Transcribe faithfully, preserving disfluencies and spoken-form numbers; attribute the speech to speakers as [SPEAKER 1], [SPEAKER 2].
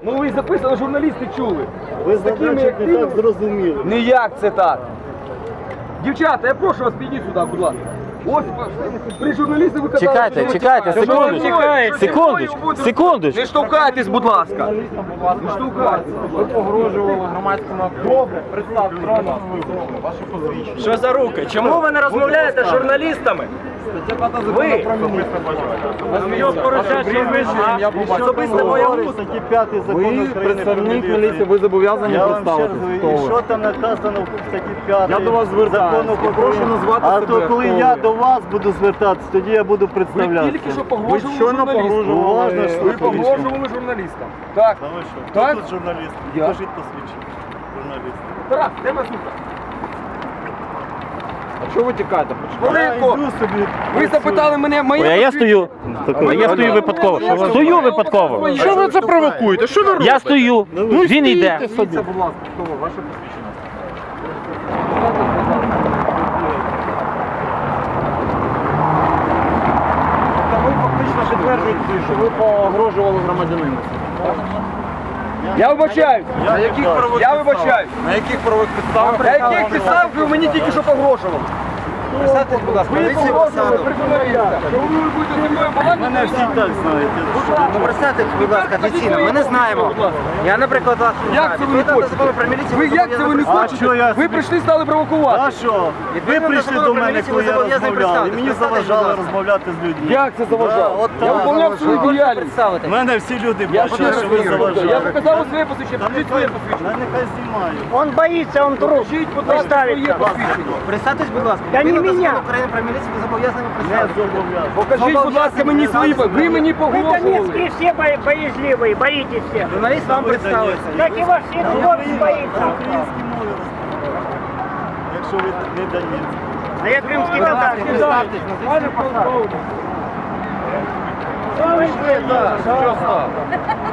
[SPEAKER 1] Ну ви записано, журналісти чули.
[SPEAKER 2] Ви
[SPEAKER 1] З такими,
[SPEAKER 2] значить,
[SPEAKER 1] як
[SPEAKER 2] не
[SPEAKER 1] ти,
[SPEAKER 2] так зрозуміли.
[SPEAKER 1] ніяк це так. Дівчата, я прошу вас, підіть сюди, будь ласка. Ось при журналісті ви казали,
[SPEAKER 3] Чекайте,
[SPEAKER 1] що ви
[SPEAKER 3] чекайте,
[SPEAKER 1] тікаєте.
[SPEAKER 3] секундочку,
[SPEAKER 1] Чекайте.
[SPEAKER 3] секундочку, секундочку.
[SPEAKER 1] Не штовхайтесь, будь ласка. Не штовхайтесь.
[SPEAKER 4] Ви погрожували громадському активу. Представте трону ваші посвідчення.
[SPEAKER 5] Що за руки? Чому ви не розмовляєте з журналістами? Ви!
[SPEAKER 4] Його порушать, що ви
[SPEAKER 5] Я особисто боягуз.
[SPEAKER 2] Статті п'ятої закону
[SPEAKER 4] Ви
[SPEAKER 2] України
[SPEAKER 4] представник
[SPEAKER 2] про
[SPEAKER 4] міліції, ви зобов'язані
[SPEAKER 2] Я вам ще раз
[SPEAKER 4] представитися.
[SPEAKER 2] говорю, і що там наказано в статті п'ятій
[SPEAKER 4] Я до вас звертаюся.
[SPEAKER 2] закону
[SPEAKER 4] І прошу
[SPEAKER 2] України?
[SPEAKER 4] назвати
[SPEAKER 2] А
[SPEAKER 4] себе,
[SPEAKER 2] то коли
[SPEAKER 4] хто
[SPEAKER 2] я
[SPEAKER 4] ви.
[SPEAKER 2] до вас буду звертатися, тоді я буду
[SPEAKER 1] Ви
[SPEAKER 2] представлятися.
[SPEAKER 1] тільки що
[SPEAKER 4] Ви
[SPEAKER 1] погрожували
[SPEAKER 4] щойно
[SPEAKER 1] журналістам.
[SPEAKER 4] погрожували.
[SPEAKER 2] Уважно,
[SPEAKER 1] Ви
[SPEAKER 2] слухайте.
[SPEAKER 1] погрожували журналістам. Так.
[SPEAKER 2] Та ви що?
[SPEAKER 1] Так?
[SPEAKER 2] Хто тут журналіст?
[SPEAKER 1] Я.
[SPEAKER 2] Покажіть посвідчення. Журналіст.
[SPEAKER 1] Тарас, де Масука?
[SPEAKER 4] А чого ви тікаєте?
[SPEAKER 1] Хвилинку.
[SPEAKER 2] Я йду собі.
[SPEAKER 1] Ви запитали мене моє
[SPEAKER 3] Ой, а я стою.
[SPEAKER 2] Такого.
[SPEAKER 3] А я стою випадково. Стою випадково.
[SPEAKER 4] Що ви це провокуєте? Що ви робите?
[SPEAKER 3] Я стою, він йде.
[SPEAKER 4] Дивіться, будь ласка, хто ви? Ваше посвідчення. Тобто ви фактично підтверджуєте, що ви погрожували громадянину.
[SPEAKER 1] Я вибачаюсь.
[SPEAKER 4] На яких правових
[SPEAKER 1] Я
[SPEAKER 4] підставах?
[SPEAKER 1] вибачаюсь.
[SPEAKER 4] На яких правових підставах?
[SPEAKER 1] На яких підставах ви мені тільки що погрожували?
[SPEAKER 4] Представтесь, будь ласка,
[SPEAKER 1] Ви
[SPEAKER 4] поліції
[SPEAKER 1] погрожували
[SPEAKER 4] посаду.
[SPEAKER 1] при журналістах. Що ви будете зі мною балакати?
[SPEAKER 2] Мене всі так знають.
[SPEAKER 6] Ну, представтесь, будь ласка, офіційно, ми не знаємо. Я, наприклад, вас не
[SPEAKER 1] Як
[SPEAKER 6] знаю.
[SPEAKER 1] це ви не
[SPEAKER 6] Відповідно до закону
[SPEAKER 1] хочете?
[SPEAKER 6] про міліцію,
[SPEAKER 1] Ви як це ви не
[SPEAKER 2] А що
[SPEAKER 1] хочете?
[SPEAKER 2] я
[SPEAKER 1] Ви
[SPEAKER 2] собі-
[SPEAKER 1] прийшли, стали провокувати.
[SPEAKER 2] А що? Ви
[SPEAKER 6] Відповідно
[SPEAKER 2] прийшли
[SPEAKER 6] до
[SPEAKER 2] до
[SPEAKER 6] закону
[SPEAKER 2] мене,
[SPEAKER 6] про
[SPEAKER 2] коли я
[SPEAKER 6] міліцію, ви
[SPEAKER 2] розмовляв, і
[SPEAKER 6] зобов'язані
[SPEAKER 2] мені
[SPEAKER 6] представитись, будь
[SPEAKER 2] заважали
[SPEAKER 6] ласка.
[SPEAKER 2] розмовляти з людьми.
[SPEAKER 1] Як це заважало?
[SPEAKER 2] Да, от
[SPEAKER 1] Я
[SPEAKER 2] так.
[SPEAKER 1] виконав свою
[SPEAKER 6] Можете
[SPEAKER 1] діяльність.
[SPEAKER 6] представитись?
[SPEAKER 2] Мене всі люди
[SPEAKER 1] Я
[SPEAKER 2] бачать, що ви
[SPEAKER 1] Я
[SPEAKER 2] заважали.
[SPEAKER 1] показав своє посвідчення,
[SPEAKER 2] Та
[SPEAKER 1] покажіть своє
[SPEAKER 2] нехай,
[SPEAKER 1] посвідчення.
[SPEAKER 2] та нехай знімаю.
[SPEAKER 7] Он боится, он труп.
[SPEAKER 1] Покажіть, будь ласка, своє
[SPEAKER 7] Представиться.
[SPEAKER 1] посвідчення.
[SPEAKER 6] Представтесь, будь ласка.
[SPEAKER 7] Та не
[SPEAKER 6] Відповідно до
[SPEAKER 7] мене.
[SPEAKER 6] закону України про міліцію, ви зобов'язані
[SPEAKER 2] Не
[SPEAKER 6] представитись.
[SPEAKER 2] зобов'язаний.
[SPEAKER 1] Покажіть, будь ласка, мені свої. Ви мені
[SPEAKER 7] Вы
[SPEAKER 1] погрожували.
[SPEAKER 7] донецкие все бо- боязливые, боитесь всех.
[SPEAKER 6] Журналіст вам представиться.
[SPEAKER 7] Как и ваш всех город боится.
[SPEAKER 2] На українській мові розмовляю. Якщо ви не донецькі.
[SPEAKER 7] А я крымский татар.
[SPEAKER 6] Представтесь, назвіть свою посаду.
[SPEAKER 7] Что вы, блин,
[SPEAKER 4] Що стало?